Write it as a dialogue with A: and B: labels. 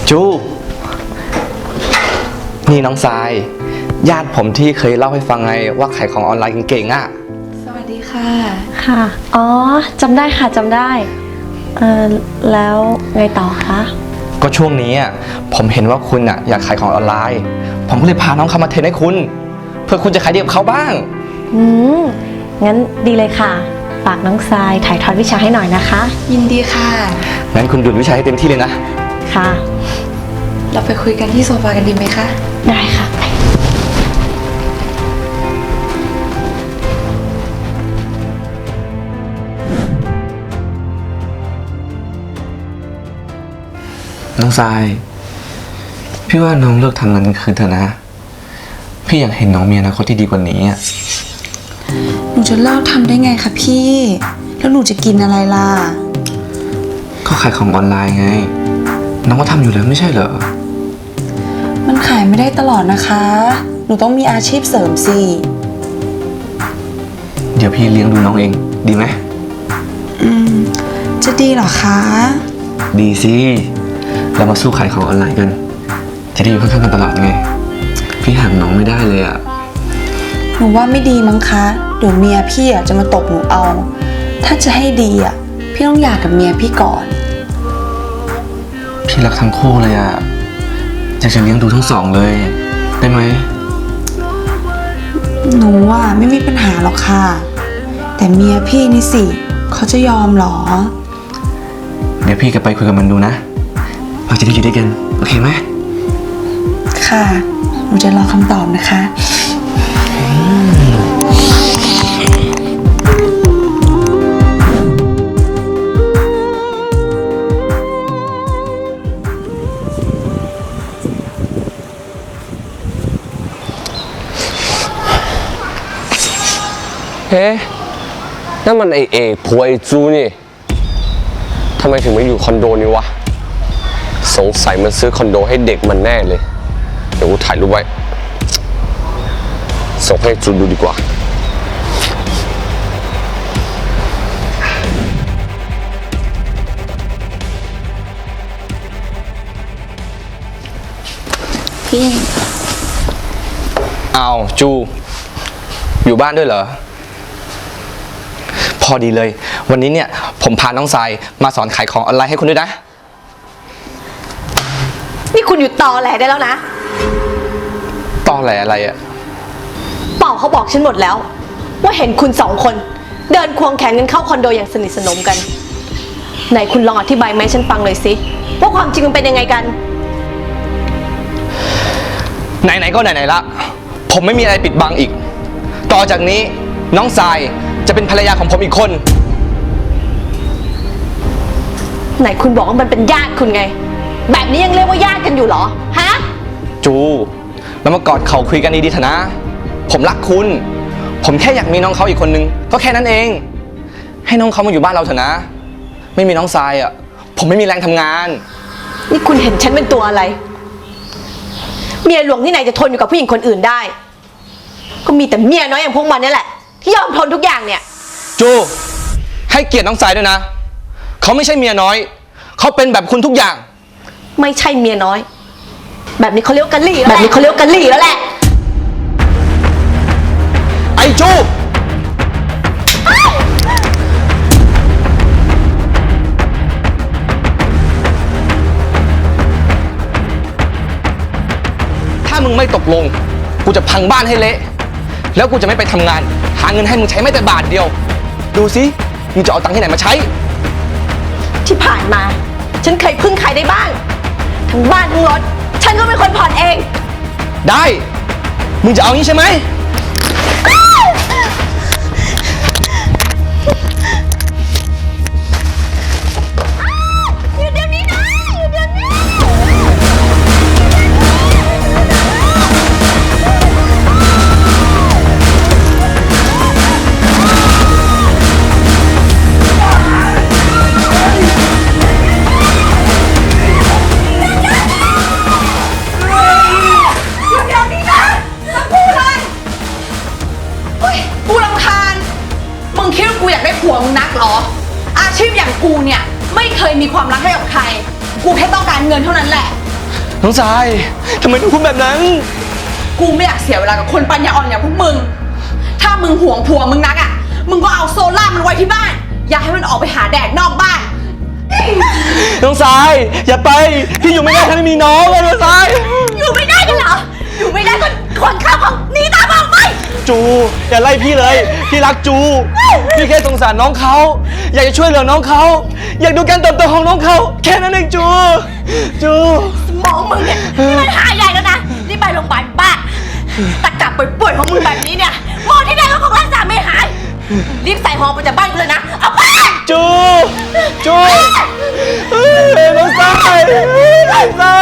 A: จูนี่น้องทรายญาติผมที่เคยเล่าให้ฟังไงว่าขายของออนไลน์เก่งๆอ่ะ
B: สวัสดีค่ะ
C: ค่ะอ๋อจำได้ค่ะจำได้แล้วไงต่อคะ
A: ก็ช่วงนี้ผมเห็นว่าคุณอยากขายของออนไลน์ผมก็เลยพาน้องเข้ามาเทรนให้คุณเพื่อคุณจะขายดีกับเขาบ้าง
C: งั้นดีเลยค่ะฝากน้องทรายถ่ายทอดวิชาให้หน่อยนะคะ
B: ยินดีค่ะ
A: งั้นคุณดูดวิชาให้เต็มที่เลยนะ
C: ค่ะ
B: เราไปคุยกันที่โซฟากันดีไหมคะ
C: ได้ค่ะ
A: น้องทรายพี่ว่าน้องเลิกทำงานกลางคืนเถอะนะพี่อยากเห็นน้องมีอนาคตที่ดีกว่านี้
B: หนูจะเลิกทำได้ไงคะพี่แล้วหนูจะกินอะไรล่ะ
A: ก็ขายของออนไลน์ไงน้องก็ทำอยู่แล้วไม่ใช่เหรอ
B: มันขายไม่ได้ตลอดนะคะหนูต้องมีอาชีพเสริมสิ
A: เดี๋ยวพี่เลี้ยงดูน้องเองดีไหม
B: จะดีเหรอคะ
A: ดีสิเรามาสู้ขายของออนไลน์กันจะได้อยู่ข้างๆกันตลอดไงพี่ห่างน้องไม่ได้เลย
B: หนูว่าไม่ดีมั้งคะเดี๋ยวเมียพี่จะมาตบหนูเอาถ้าจะให้ดีพี่ต้องหย่ากับเมียพี่ก่อน
A: พี่รักทั้งคู่เลยอยากจะเลี้ยงดูทั้งสองเลยได้ไหม
B: หนูไม่มีปัญหาหรอกค่ะแต่เมียพี่นี่สิเขาจะยอมหรอ
A: เดี๋ยวพี่จะไปคุยกับมันดูนะเราจะได้อยู่ด้วยกันโอเคไหม
B: ค่ะหนูจะรอคำตอบนะคะ
D: เฮ้นั่นมันไอผัวไอจูนี่ทำไมถึงไม่อยู่คอนโดนี้วะสงสัยมันซื้อคอนโดให้เด็กมันแน่เลยเดี๋ยวกูถ่ายรูปไว้ส่งให้จูดูดีกว่า
B: พี่
A: อ้าวจูอยู่บ้านด้วยเหรอพอดีเลยวันนี้เนี่ยผมพาน้องทรายมาสอนขายของออนไลน์ให้คุณด้วยนะ
C: นี่คุณหยุดตอแหลได้แล้วนะ
A: ตอแหลอะไร
C: เป่าเขาบอกฉันหมดแล้วว่าเห็นคุณสองคนเดินควงแขนกันเข้าคอนโดอย่างสนิทสนมกันไหนคุณลองอธิบายไหมฉันฟังเลยสิว่าความจริงมันเป็นยังไงกัน
A: ไหนๆก็ไหนๆละผมไม่มีอะไรปิดบังอีกต่อจากนี้น้องทรายจะเป็นภรรยาของผมอีกคน
C: ไหนคุณบอกว่ามันเป็นญาติคุณไงแบบนี้ยังเรียกว่าญาติกันอยู่เหรอฮะ
A: จูแล้วมากอดเข่าคุยกันดีๆเถอะนะผมรักคุณผมแค่อยากมีน้องเขาอีกคนนึงก็แค่นั้นเองให้น้องเขามาอยู่บ้านเราเถอะนะไม่มีน้องทรายผมไม่มีแรงทำงาน
C: นี่คุณเห็นฉันเป็นตัวอะไรเมียหลวงที่ไหนจะทนอยู่กับผู้หญิงคนอื่นได้ก็มีแต่เมียน้อยอย่างพวกมันนี่แหละที่ยอมทนทุกอย่างเนี่ย
A: จูให้เกียรติน้องทรายด้วยนะเขาไม่ใช่เมียน้อยเขาเป็นแบบคุณทุกอย่าง
C: ไม่ใช่เมียน้อยแบบนี้เขาเรียกกะหรี่แล้วแหละ
A: ไอ้จูถ้ามึงไม่ตกลงกูจะพังบ้านให้เละแล้วกูจะไม่ไปทำงานหาเงินให้มึงใช้ไม่แต่บาทเดียวดูสิมึงจะเอาตังค์ที่ไหนมาใช้
C: ที่ผ่านมาฉันเคยพึ่งใครได้บ้างทั้งบ้านทั้งรถฉันก็เป็นคนผ่อนเอง
A: ได้มึงจะเอางี้ใช่ไหม
B: ผัวมึงนักเหรออาชีพอย่างกูเนี่ยไม่เคยมีความรักให้กับใครกูแค่ต้องการเงินเท่านั้นแหละ
A: น้องทรายทำไมต้องพูดแบบนั้น
B: กูไม่อยากเสียเวลากับคนปัญญาอ่อนอย่างพวกมึง ถ้ามึงห่วงผัวมึงนักอ่ะ มึงก็เอาโซล่ามันไว้ที่บ้าน อย่าให้มันออกไปหาแดดนอกบ้าน
A: น้องทรายอย่าไป พี่อยู่ไม่ได้ถ้าไม่มีน้องเลยน้องทราย
C: อยู่ไม่ได้กันเหรอ อยู่ไม่ได้ก็ขนข้าวของหนีตามออกไป
A: จูอย่าไล่พี่เลย พี่รักจู พี่แค่สงสารน้องเขาอยากจะช่วยเหลือน้องเขาอยากดูการเติบโตของน้องเขาแค่นั้นเองจู จู
C: มองมึงเนี่ยนี่มันหายใหญ่แล้วนะรีบไปโรงพยาบาลบ้าตะกลับป่วยๆของมึงแบบนี้เนี่ยหมอที่ไหนก็คงรักษาไม่หาย รีบใส่หอไปจากบ้านกูเลยนะ เอาไป
A: จู จูน้องทรายน้องทราย